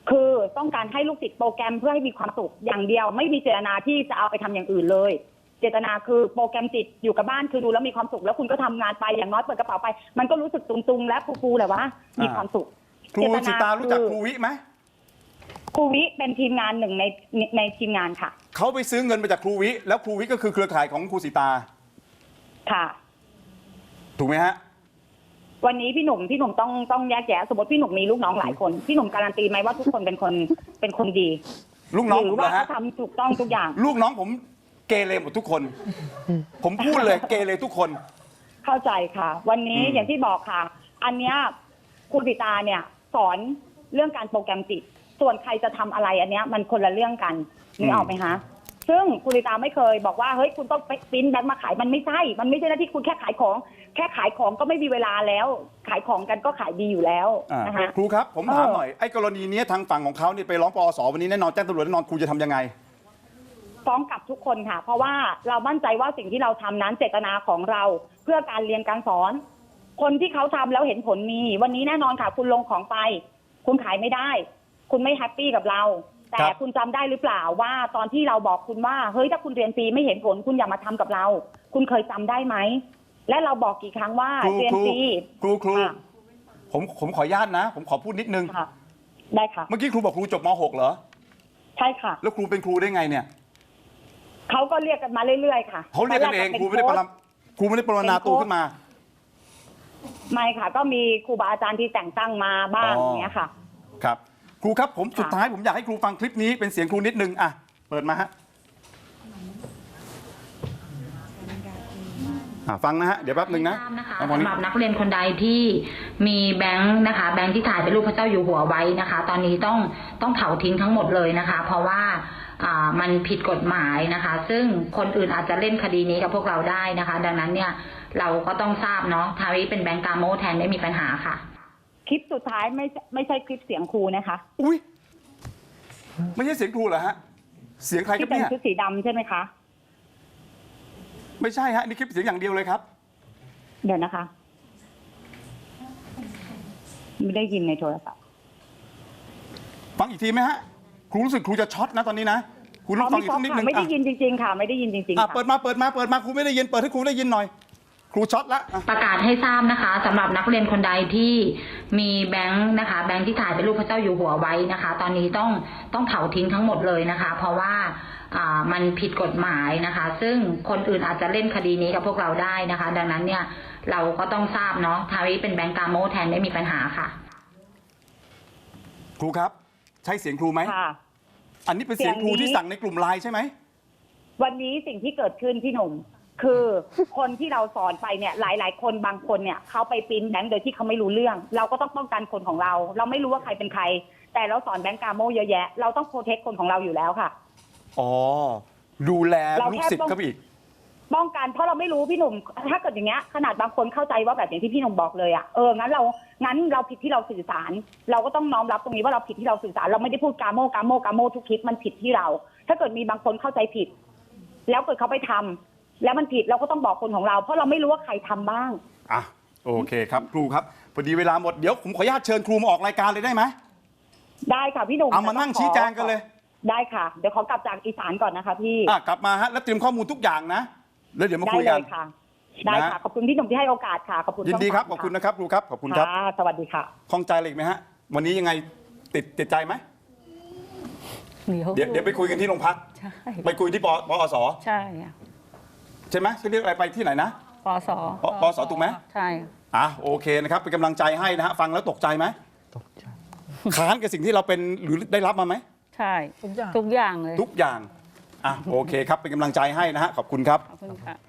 S6: คือต้องการให้ลูกศิษย์โปรแกรมเพื่อให้มีความสุขอย่างเดียว ไม่มีเจตนาที่จะเอาไปทำอย่างอื่นเลย เจตนาคือโปรแกรมจิตอยู่กับบ้านคือดูแล้วมีความสุขแล้วคุณก็ทำงานไปอย่างน้อยเปิดกระเป๋าไป มันก็รู้สึกตุงๆและฟูๆแหละว่ามีความสุข
S1: ครูสิตารู้จักครูวิไหม
S6: ครูวิเป็นทีมงานหนึ่งในในทีมงานค่ะ
S1: เขาไปซื้อเงินมาจากครูวิแล้วครูวิก็คือเครือข่ายของครูสิตา
S6: ค่ะ
S1: ถูกไหมฮะ
S6: วันนี้พี่หนุ่มพี่หนุ่มต้องต้องแยกแยะสมมติพี่หนุ่มมีลูกน้องหลายคนพี่หนุ่มการันตีไหมว่าทุกคนเป็นคนเป็นคนดี
S1: ลูกน้อง
S6: ห
S1: ผ
S6: รื
S1: ม
S6: อว่า
S1: นะฮะ
S6: เขาทำถูกต้องทุกอย่าง
S1: ลูกน้องผมเกเรหมดทุกคน ผมพูดเลยเกเรทุกคน
S6: เข้าใจค่ะ วันนี้
S1: อืม
S6: อย่างที่บอกค่ะ อันเนี้ยคุณสิตาเนี่ยสอนเรื่องการโปรแกรมจิต ส่วนใครจะทำอะไรอันเนี้ยมันคนละเรื่องกันนึกออกไหมคะซึ่งคุณสิตาไม่เคยบอกว่าเฮ้ยคุณต้องไปปริ้นแบงค์มาขายมันไม่ใช่มันไม่ใช่หน้าที่คุณแค่ขายของ แค่ขายของก็ไม่มีเวลาแล้ว ขายของกันก็ขายดีอยู่แล้ว
S1: อ่า
S6: นะคะ
S1: ครูครับผมถาม
S6: เออ
S1: หน่อยไอ้กรณีเนี้ยทางฝั่งของเขาเนี่ยไปร้องปอสวันนี้แน่นอนแจ้งตำรวจแน่นอนครูจะทำยังไง
S6: ฟ้องกลับทุกคนค่ะ เพราะว่าเรามั่นใจว่าสิ่งที่เราทำนั้นเจตนาของเราเพื่อการเรียนการสอน คนที่เขาทำแล้วเห็นผลมี วันนี้แน่นอนค่ะ คุณลงของไป คุณขายไม่ได้ คุณไม่แฮปปี้กับเรา แต่
S1: ครับ
S6: คุณจำได้หรือเปล่าว่าตอนที่เราบอกคุณว่าเฮ้ยถ้าคุณเรียนฟรีไม่เห็นผล คุณอย่ามาทำกับเรา คุณเคยจำได้ไหมและเราบอกกี่ครั้งว่า
S1: ครู
S6: เรียน
S1: ครู
S6: ฟรี
S1: ครูครู
S6: ค่ะ
S1: ผมผมขออนุญาตนะ ผมขอพูดนิดนึง
S6: ค่ะ ได้ค่ะ
S1: เมื่อกี้ครูบอกครูจบม หก เหรอ
S6: ใช่ค่ะ
S1: แล้วครูเป็นครูได้ไงเนี่ย
S6: เขาก็เรียกกันมาเรื่อยๆค่ะ
S1: เขาเรียกกันเองครูไม่ได้ปรำครูไม่ได้ปรนนาตัวขึ้นมา
S6: ไม่ค่ะ ก็มีครูบาอาจารย์ที่แต่งตั้งมาบ้าง
S1: อ๋อ
S6: อย่างเงี้ยค่ะ
S1: ครับครูครับผม
S6: ค่ะ
S1: สุดท้ายผมอยากให้ครูฟังคลิปนี้เป็นเสียงครูนิดนึงอ่ะเปิดมาฮะอ่ะฟังนะฮะเดี๋ยวแป๊บนึงนะ
S7: ทราบนะคะ
S1: เอาตอนนี้
S7: สำหรับนักเรียนคนใดที่มีแบงค์นะคะ แบงค์ที่ถ่ายเป็นรูปพระเจ้าอยู่หัวไว้นะคะ ตอนนี้ต้องต้องเผาทิ้งทั้งหมดเลยนะคะ เพราะว่าอ่ามันผิดกฎหมายนะคะ ซึ่งคนอื่นอาจจะเล่นคดีนี้กับพวกเราได้นะคะ ดังนั้นเนี่ยเราก็ต้องทราบเนาะทาวิเป็นแบงค์กาโมแทนไม่มีปัญหาค่ะ
S6: คลิปสุดท้ายไม่ไม่ใช่คลิปเสียงครูนะคะ
S1: อุ้ยไม่ใช่เสียงครูเหรอฮะเสียงใครครั
S6: ที่
S1: บ
S6: เป็น
S1: เนี่ย
S6: ชุดสีดำใช่ไหมคะ
S1: ไม่ใช่ฮะนี่คลิปเสียงอย่างเดียวเลยครับ
S6: เดี๋ยวนะคะ ไม่ได้ยินในโทรศัพท์
S1: ฟังอีกทีไหมฮะครูรู้สึกครูจะช็อตนะตอนนี้นะครูต้องฟังอีกสักนิดนึง
S6: ไม่ได้
S1: อ่ะ
S6: ยินจริงๆค่ะ ไม่ได้ยินจริงๆ
S1: อ่ะ
S6: ค่ะ
S1: เปิดมาเปิดมาเปิดมาครูไม่ได้ยินเปิดให้ครูได้ยินหน่อย ครูช็อตละอ่ะ
S7: ประกาศให้ทราบนะคะสำหรับนักเรียนคนใดที่มีแบงค์นะคะ แบงค์ที่ถ่ายเป็นรูปพระเจ้าอยู่หัวไว้นะคะ ตอนนี้ต้องต้องเผาทิ้งทั้งหมดเลยนะคะ เพราะว่าอ่ามันผิดกฎหมายนะคะ ซึ่งคนอื่นอาจจะเล่นคดีนี้กับพวกเราได้นะคะ ดังนั้นเนี่ยเราก็ต้องทราบเนาะทาวิเป็นแบงค์กาโมแทนไม่มีปัญหาค่ะ
S1: ครูครับ ใช่เสียงครูไหม
S6: ค่ะ
S1: อันนี้เป็นเสียงครู
S6: เสียงนี้
S1: ที่สั่งในกลุ่มไลน์ใช่ไหม
S6: วันนี้สิ่งที่เกิดขึ้นพี่หนุ่ม คือคนที่เราสอนไปเนี่ย หลาย ๆ คนบางคนเนี่ยเขาไปปริ้นแบงค์โดยที่เขาไม่รู้เรื่อง เราก็ต้องป้องกันคนของเรา เราไม่รู้ว่าใครเป็นใคร แต่เราสอนแบงค์กาโมเยอะแยะ เราต้องโปรเทคคนของเราอยู่แล้วค่ะ
S1: อ๋อดูแล
S6: เรา
S1: ลูก
S6: แค่
S1: ศิษย์
S6: ต้อง
S1: ครับอีก
S6: ป้องกันเพราะเราไม่รู้พี่หนุ่ม ถ้าเกิดอย่างเงี้ยขนาดบางคนเข้าใจว่าแบบอย่างที่พี่หนุ่มบอกเลยอ่ะเอองั้นเรางั้นเราผิดที่เราสื่อสาร เราก็ต้องน้อมรับตรงนี้ว่าเราผิดที่เราสื่อสาร เราไม่ได้พูดกาโมกาโมกาโมทุกคลิปมันผิดที่เรา ถ้าเกิดมีบางคนเข้าใจผิด แล้วเกิดเขาไปทำแล้วมันผิดเราก็ต้องบอกคนของเรา เพราะเราไม่รู้ว่าใครทำบ้าง
S1: อ่ะโอเคครับครูครับพอดีเวลาหมดเดี๋ยวผมขออนุญาตเชิญครูมาออกรายการเลยได้ไหม
S6: ได้ค่ะพี่หนุ่ม
S1: เอามานั่งชี้แจงกันเลย
S6: ได้ค่ะเดี๋ยวขอกลับจากอีสานก่อนนะคะพี่
S1: อ่ะกลับมาฮะแล้วเตรียมข้อมูลทุกอย่างนะแล้วเดี๋ยวมา
S6: ได้
S1: คุย
S6: เล
S1: กัน
S6: ยค่ะ ได้ค่ะ
S1: นะ
S6: ขอบคุณพี่หนุ่มที่ให้โอกาสค่ะขอบคุณ
S1: ยินดีครับ
S6: ช่
S1: ข
S6: ง
S1: อบคุณ
S6: สาม
S1: นะครับครูครับขอบคุณครับ
S6: ค่ะสวัสดีค่ะ
S1: ข้องใจอะไรอีกไหมฮะวันนี้ยังไงติดติดใจไหม
S2: เดี๋ยว
S1: เดี๋ยวเดี๋ยวไปคุยกันที่โรงพัก
S2: ใช่
S1: ไปคุยที่ปปอส
S2: ใช่อะ
S1: ใช่ไหมชื่อเรียกอะไรไปที่ไหนนะ
S2: ปส
S1: ปปอสถูกไหม
S2: ใช่
S1: อ่ะโอเคนะครับเป็นกำลังใจให้นะฮะฟังแล้วตกใจไหม
S4: ตกใจ
S1: ค้านกับสิ่งที่เราเป็นหรือได้รับมาไหม
S2: ใช่
S3: ทุกอย่าง
S2: ทุกอย่างเลย
S1: ทุกอย่างอ่ะโอเคครับเป็นกำลังใจให้นะฮะขอบคุณครับ
S2: ขอบคุณค่ะ